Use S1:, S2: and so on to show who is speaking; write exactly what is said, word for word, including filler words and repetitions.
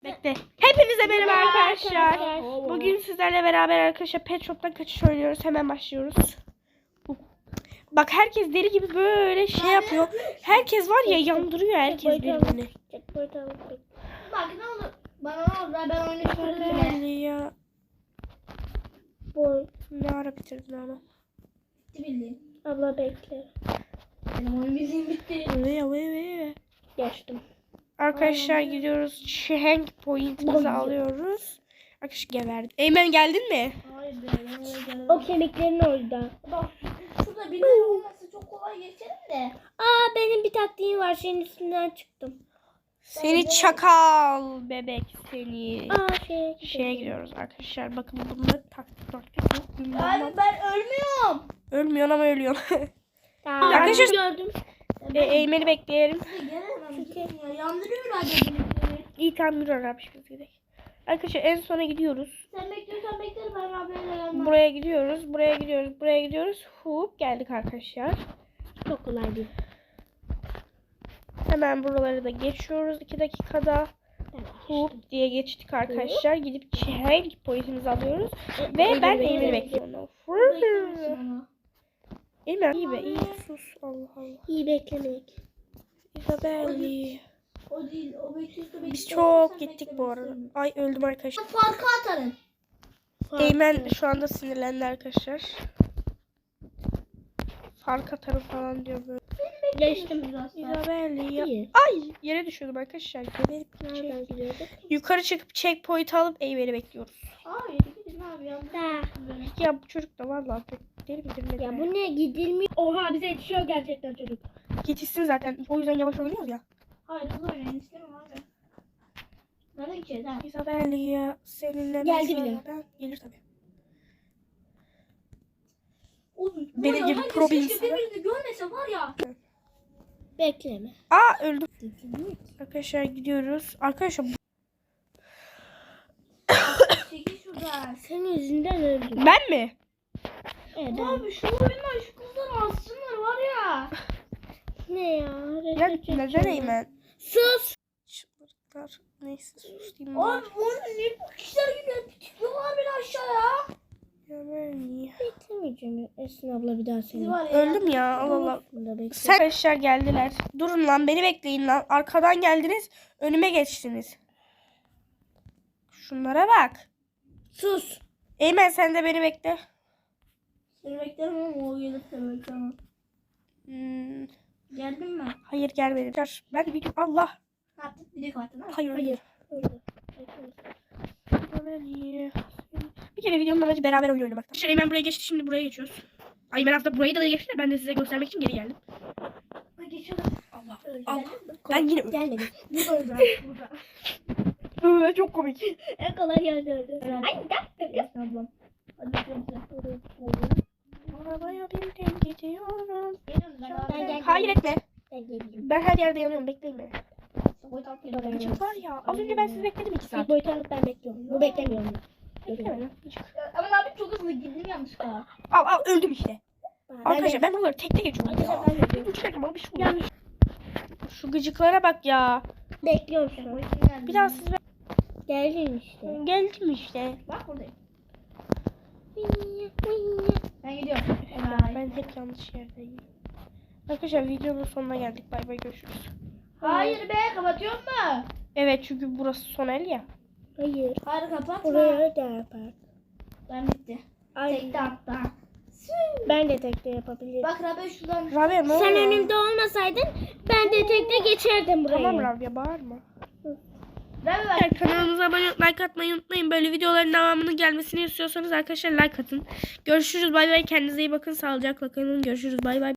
S1: Bekle. Hepinize merhaba arkadaşlar. Bugün sizlerle beraber arkadaşlar Pet Shop'tan kaçış oynuyoruz. Hemen başlıyoruz. Bak herkes deli gibi böyle şey yapıyor. Herkes var ya yandırıyor herkes birbirini.
S2: Bak ne olur. Bana ne olur ben oyunu bitirdim bile.
S1: Ya. Boy. Ne ara bitirdin ama?
S2: Bitti bildiğin.
S3: Abla bekle.
S2: Benim oyun bildiğim bitti.
S1: Vaya vaya vaya.
S3: Geçtim.
S1: Arkadaşlar gidiyoruz. Şehenk pointimizi alıyoruz. Arkadaşlar geberdi. Eymen geldin mi?
S2: Hayır be.
S3: O kemiklerin orada.
S2: Bak şurada bir yer olması çok kolay geçerim de.
S3: Aa benim bir taktiğim var. Senin üstünden çıktım.
S1: Seni çakal bebek seni.
S3: Aa şeye
S1: Şeye gidiyoruz arkadaşlar. Bakın bunlar taktik taktik yok.
S2: Abi ben ölmüyorum.
S1: Ölmüyorsun ama ölüyorsun.
S3: Tamam.
S1: Arkadaşlar-
S3: gördüm.
S1: e, Eymen'i bekleyelim.
S2: Gelemem. Ya. Yandırıyorlar beni.
S1: İyi tamam yürü abi biz gidelim. Arkadaşlar en sona gidiyoruz.
S2: Sen bekliyorsan beklerim ben haberle gelmem.
S1: Buraya gidiyoruz. Buraya gidiyoruz. Buraya gidiyoruz. Hup geldik arkadaşlar.
S3: Çok kolay değil.
S1: Hemen buraları da geçiyoruz iki dakikada. Hup diye geçtik arkadaşlar. Gidip çehenk pointimizi alıyoruz. Ve ben Eymen'i bekliyorum. Eymen iyi be iyi sus. Allah Allah.
S3: İyi beklemek.
S1: İzabelli.
S2: O değil. O bekliyorsa
S1: Biz çok gittik bu arada. Ay öldüm arkadaşlar.
S2: Farkı atarım.
S1: Eymen şu anda sinirlendi arkadaşlar. Fark atarım falan diyor böyle.
S3: Geçtim.
S1: İzabelli ya.
S3: İyi.
S1: Ay yere düşüyordum arkadaşlar. Geberip
S3: Nereden
S1: gidecek.
S3: gidiyorduk?
S1: Yukarı çıkıp checkpoint alıp Eymen'i bekliyoruz.
S2: Hayır gidin abi ya.
S3: Da.
S1: Ya bu çocuk da vallahi deli midir nedir?
S3: Ya bu ne gidilmiyor? Oha bize yetişiyor gerçekten çocuk.
S1: Yetişsin zaten. O yüzden yavaş oynuyoruz ya.
S2: Hayır hızlı oynayın istemem abi. Nerede gideceğiz ha?
S1: İzabelli ya. Seninle
S3: Geldi
S1: mesela
S3: bile.
S1: ben- Gelir tabii.
S2: Oğlum,
S1: Benim
S2: var ya,
S1: gibi
S2: herkes
S1: pro bir
S2: keşke
S1: insan.
S2: birbirini görmese var ya.
S3: Bekleme.
S1: Aa öldüm. Arkadaşlar gidiyoruz. Arkadaşlar
S2: Çekil şuradan.
S3: Senin yüzünden öldüm.
S1: ben mi?
S3: Evet.
S2: Abi şu oyundan şu kızları alsınlar var ya.
S3: Ne ya?
S1: Ya neden Eymen?
S3: Sus.
S1: Çıldırtlar. Neyse sus diyeyim.
S2: Abi
S1: bari.
S2: oyunun ne bu kişiler gibi tutuyorlar beni aşağıya.
S1: Ya ben niye?
S3: Beklemeyeceğim. Esin abla bir daha
S2: Siz
S3: seni.
S2: var ya.
S1: Öldüm ya. Allah Allah.
S3: Bunda bekle.
S1: Sen arkadaşlar geldiler. Durun lan beni bekleyin lan. Arkadan geldiniz. Önüme geçtiniz. Şunlara bak.
S3: Sus.
S1: Eymen sen de beni bekle.
S2: Seni beklemem ama o gelip de beklemem.
S1: Hmm,
S2: Geldin mi?
S1: hayır gelmedi. Dur. Ben de video Allah.
S2: Ne yaptık? Video kapattın ha?
S1: Hayır.
S3: Hayır.
S1: Hayır. Bir kere videonun amacı beraber oyun oynamak. Arkadaşlar Eymen buraya geçti. Şimdi buraya geçiyoruz. Ay ben aslında burayı da geçti. Ben de size göstermek için geri geldim.
S2: Hadi geçelim.
S1: Allah. Allah. Ben yine öldüm.
S3: Gelmedi.
S2: Burada öldü. Burada.
S1: Ee, çok komik.
S3: En kolay geldi öldü.
S2: Ay gel. Ablam. Hadi geçelim.
S1: Arabaya bindim gidiyorum.
S2: Geliyorum ben
S3: Ben
S2: abi.
S3: gel-
S1: Hayır etme.
S3: Ben geleyim.
S1: Ben her yerde yanıyorum. Bekleyin beni.
S2: Boy tatlı geliyorum.
S1: Gıcık var ya. Az önce ben sizi bekledim iki saat.
S3: Bir boyutu alıp ben bekliyorum. Bu beklemiyorum.
S1: Bekleme lan, gıcık.
S2: Ama abi çok hızlı gittim yanlışlıkla.
S1: Al al öldüm işte.
S3: Ben
S1: Arkadaşlar ben buraları tek tek geçiyorum ya.
S3: Arkadaşlar ben de-
S1: Üç dakika bana bir şey oluyor. Şu gıcıklara bak ya.
S3: bekliyorum şu an.
S1: Bir daha siz
S3: Geldin işte.
S1: geldim işte.
S2: Bak buradayım. Ben gidiyorum.
S1: Ya
S2: Bye.
S1: ben hep yanlış yerdeyim. Arkadaşlar videonun sonuna geldik. Bay bay görüşürüz.
S2: Hayır be kapatıyor mu?
S1: Evet çünkü burası son el ya.
S3: Hayır.
S2: Hayır kapatma.
S3: Buraya da yapar.
S2: Ben bitti.
S3: Ay,
S2: Tekte hatta.
S3: ben de tekte yapabilirim.
S2: Bak Rabia şuradan.
S1: Rabia ne
S3: Sen
S1: oluyor?
S3: önümde olmasaydın ben de tekte geçerdim buraya.
S1: Tamam Rabia bağırma.
S2: Rabia bak.
S1: Kanalımıza abone olup like atmayı unutmayın. Böyle videoların devamının gelmesini istiyorsanız arkadaşlar like atın. Görüşürüz bay bay. Kendinize iyi bakın. Sağlıcakla kalın. Görüşürüz bay bay.